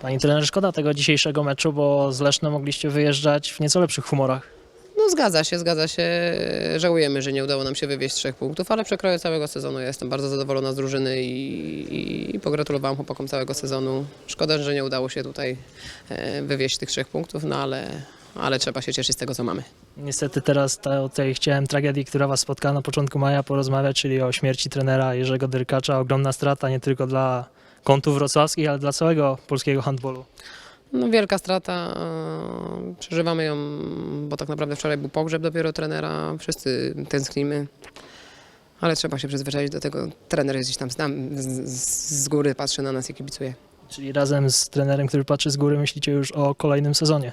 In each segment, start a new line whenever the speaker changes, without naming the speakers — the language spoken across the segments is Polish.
Pani trener, szkoda tego dzisiejszego meczu, bo z Lesznem mogliście wyjeżdżać w nieco lepszych humorach.
No zgadza się. Żałujemy, że nie udało nam się wywieźć 3 punktów, ale przekroję całego sezonu. Ja jestem bardzo zadowolona z drużyny i pogratulowałam chłopakom całego sezonu. Szkoda, że nie udało się tutaj wywieźć tych 3 punktów, no ale trzeba się cieszyć z tego, co mamy.
Niestety teraz o tej chciałem tragedii, która was spotkała na początku maja, porozmawiać, czyli o śmierci trenera Jerzego Dyrkacza. Ogromna strata nie tylko dla kątów wrocławskich, ale dla całego polskiego handbolu.
No wielka strata, przeżywamy ją, bo tak naprawdę wczoraj był pogrzeb dopiero trenera, wszyscy tęsknimy, ale trzeba się przyzwyczaić do tego. Trener jest gdzieś tam z góry, patrzy na nas i kibicuje.
Czyli razem z trenerem, który patrzy z góry, myślicie już o kolejnym sezonie.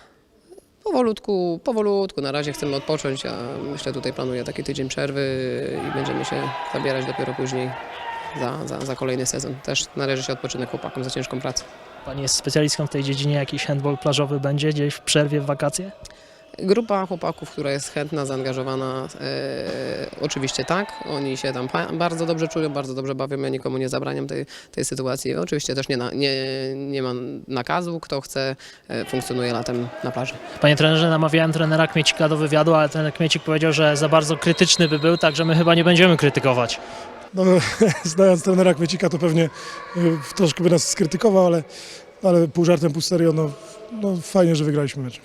Powolutku, na razie chcemy odpocząć, a myślę tutaj planuję taki tydzień przerwy i będziemy się zabierać dopiero później za kolejny sezon. Też należy się odpoczynek chłopakom za ciężką pracę.
Pani jest specjalistką w tej dziedzinie, jakiś handball plażowy będzie gdzieś w przerwie, w wakacje?
Grupa chłopaków, która jest chętna, zaangażowana, oczywiście tak. Oni się tam bardzo dobrze czują, bardzo dobrze bawią. Ja nikomu nie zabraniam tej sytuacji. Oczywiście też nie ma nakazu. Kto chce, funkcjonuje latem na plaży.
Panie trenerze, namawiałem trenera Kmiecika do wywiadu, ale trener Kmiecik powiedział, że za bardzo krytyczny by był, także my chyba nie będziemy krytykować.
No, znając trenera Kmiecika, to pewnie troszkę by nas skrytykował, ale pół żartem, pół serio, no fajnie, że wygraliśmy mecz.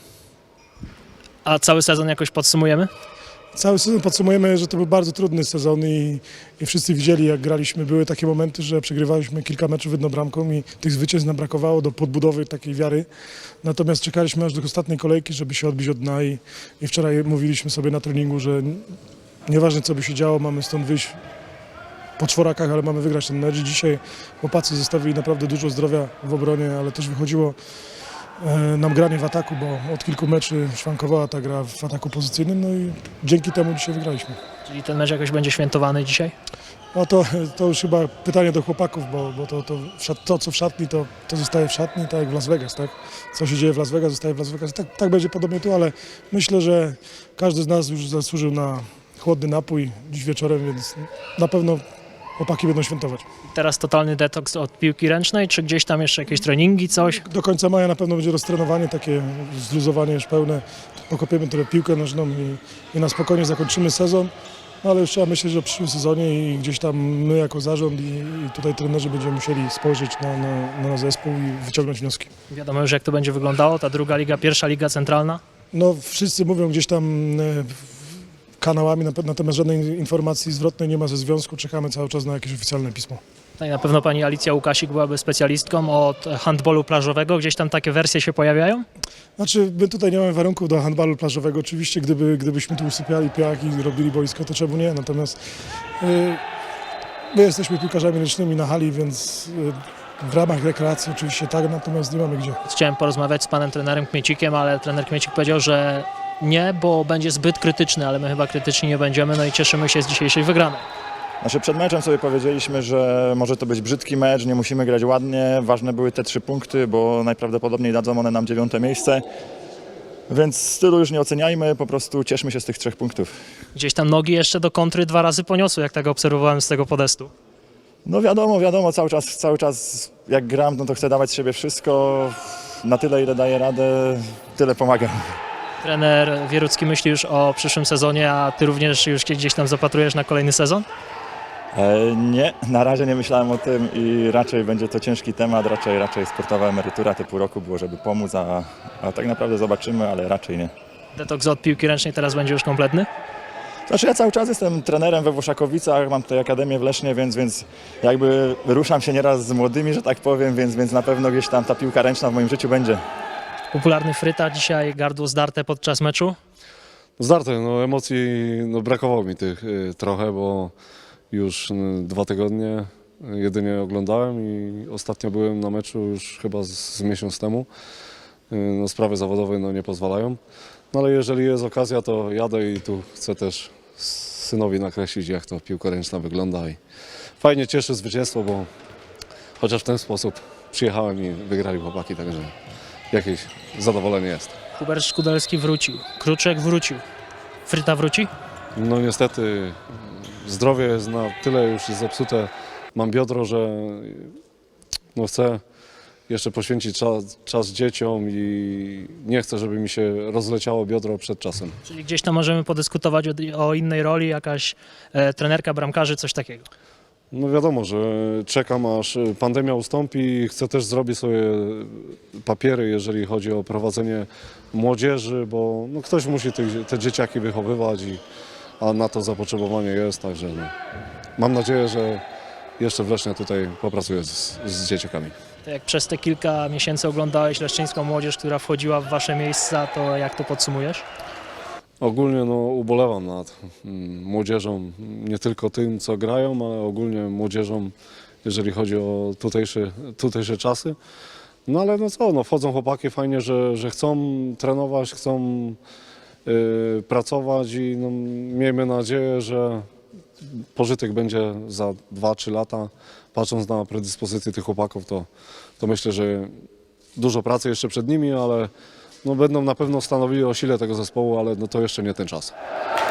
A cały sezon jakoś podsumujemy?
Cały sezon podsumujemy, że to był bardzo trudny sezon i wszyscy widzieli, jak graliśmy. Były takie momenty, że przegrywaliśmy kilka meczów jedną bramką i tych zwycięstw nam brakowało do podbudowy takiej wiary. Natomiast czekaliśmy aż do ostatniej kolejki, żeby się odbić od dna i wczoraj mówiliśmy sobie na treningu, że nieważne co by się działo, mamy stąd wyjść po czworakach, ale mamy wygrać ten mecz. Dzisiaj chłopacy zostawili naprawdę dużo zdrowia w obronie, ale też wychodziło nam granie w ataku, bo od kilku meczy szwankowała ta gra w ataku pozycyjnym, no i dzięki temu dzisiaj wygraliśmy.
Czyli ten mecz jakoś będzie świętowany dzisiaj?
No to już chyba pytanie do chłopaków, bo to co w szatni, to zostaje w szatni, tak jak w Las Vegas, tak? Co się dzieje w Las Vegas, zostaje w Las Vegas. Tak będzie podobnie tu, ale myślę, że każdy z nas już zasłużył na chłodny napój dziś wieczorem, więc na pewno chłopaki będą świętować.
Teraz totalny detoks od piłki ręcznej, czy gdzieś tam jeszcze jakieś treningi, coś?
Do końca maja na pewno będzie roztrenowanie, takie zluzowanie już pełne. Pokopiemy trochę piłkę nożną i na spokojnie zakończymy sezon. No ale już trzeba myśleć o przyszłym sezonie i gdzieś tam my jako zarząd i tutaj trenerzy będziemy musieli spojrzeć na zespół i wyciągnąć wnioski.
Wiadomo już jak to będzie wyglądało, ta druga liga, pierwsza liga centralna?
No wszyscy mówią gdzieś tam kanałami, natomiast żadnej informacji zwrotnej nie ma ze związku. Czekamy cały czas na jakieś oficjalne pismo.
No i na pewno pani Alicja Łukasik byłaby specjalistką od handballu plażowego. Gdzieś tam takie wersje się pojawiają?
Znaczy, my tutaj nie mamy warunków do handbalu plażowego. Oczywiście, gdybyśmy tu usypiali piach i robili boisko, to czemu nie? Natomiast my jesteśmy piłkarzami ręcznymi na hali, więc w ramach rekreacji oczywiście tak, natomiast nie mamy gdzie.
Chciałem porozmawiać z panem trenerem Kmiecikiem, ale trener Kmiecik powiedział, że nie, bo będzie zbyt krytyczny, ale my chyba krytyczni nie będziemy, no i cieszymy się z dzisiejszej wygranej.
Znaczy przed meczem sobie powiedzieliśmy, że może to być brzydki mecz, nie musimy grać ładnie, ważne były te 3 punkty, bo najprawdopodobniej dadzą one nam 9. miejsce. Więc stylu już nie oceniajmy, po prostu cieszmy się z tych 3 punktów.
Gdzieś tam nogi jeszcze do kontry 2 razy poniosły, jak tak obserwowałem z tego podestu.
No wiadomo, cały czas jak gram, no to chcę dawać z siebie wszystko, na tyle ile daję radę, tyle pomagam.
Trener Wierucki myśli już o przyszłym sezonie, a ty również już się gdzieś tam zapatrujesz na kolejny sezon?
Nie, na razie nie myślałem o tym i raczej będzie to ciężki temat, raczej sportowa emerytura te pół roku było, żeby pomóc, a tak naprawdę zobaczymy, ale raczej nie.
Detoks od piłki ręcznej teraz będzie już kompletny?
Znaczy ja cały czas jestem trenerem we Włoszakowicach, mam tutaj akademię w Lesznie, więc jakby ruszam się nieraz z młodymi, że tak powiem, więc na pewno gdzieś tam ta piłka ręczna w moim życiu będzie.
Popularny Fryta, dzisiaj gardło zdarte podczas meczu.
Zdarte, no emocji brakowało mi tych trochę, bo już 2 tygodnie jedynie oglądałem i ostatnio byłem na meczu już chyba z miesiąc temu. No, sprawy zawodowe nie pozwalają, no ale jeżeli jest okazja, to jadę i tu chcę też synowi nakreślić, jak to piłka ręczna wygląda i fajnie cieszy zwycięstwo, bo chociaż w ten sposób przyjechałem i wygrali chłopaki, także jakieś zadowolenie jest.
Hubert Szkudelski wrócił, Kruczek wrócił. Fryta wróci?
No niestety zdrowie jest na tyle już zepsute, mam biodro, że no chcę jeszcze poświęcić czas dzieciom i nie chcę, żeby mi się rozleciało biodro przed czasem.
Czyli gdzieś tam możemy podyskutować o innej roli, jakaś trenerka bramkarzy, coś takiego.
No wiadomo, że czekam aż pandemia ustąpi i chcę też zrobić sobie papiery, jeżeli chodzi o prowadzenie młodzieży, bo no ktoś musi te dzieciaki wychowywać, a na to zapotrzebowanie jest, także no, mam nadzieję, że jeszcze w Lesznie tutaj popracuję z dzieciakami.
To jak przez te kilka miesięcy oglądałeś leszczyńską młodzież, która wchodziła w wasze miejsca, to jak to podsumujesz?
Ogólnie no, ubolewam nad młodzieżą, nie tylko tym, co grają, ale ogólnie młodzieżą, jeżeli chodzi o tutejsze czasy. No ale no co, no, wchodzą chłopaki, fajnie, że chcą trenować, chcą pracować i no, miejmy nadzieję, że pożytek będzie za 2-3 lata. Patrząc na predyspozycje tych chłopaków, to myślę, że dużo pracy jeszcze przed nimi, ale no, będą na pewno stanowili o sile tego zespołu, ale no, to jeszcze nie ten czas.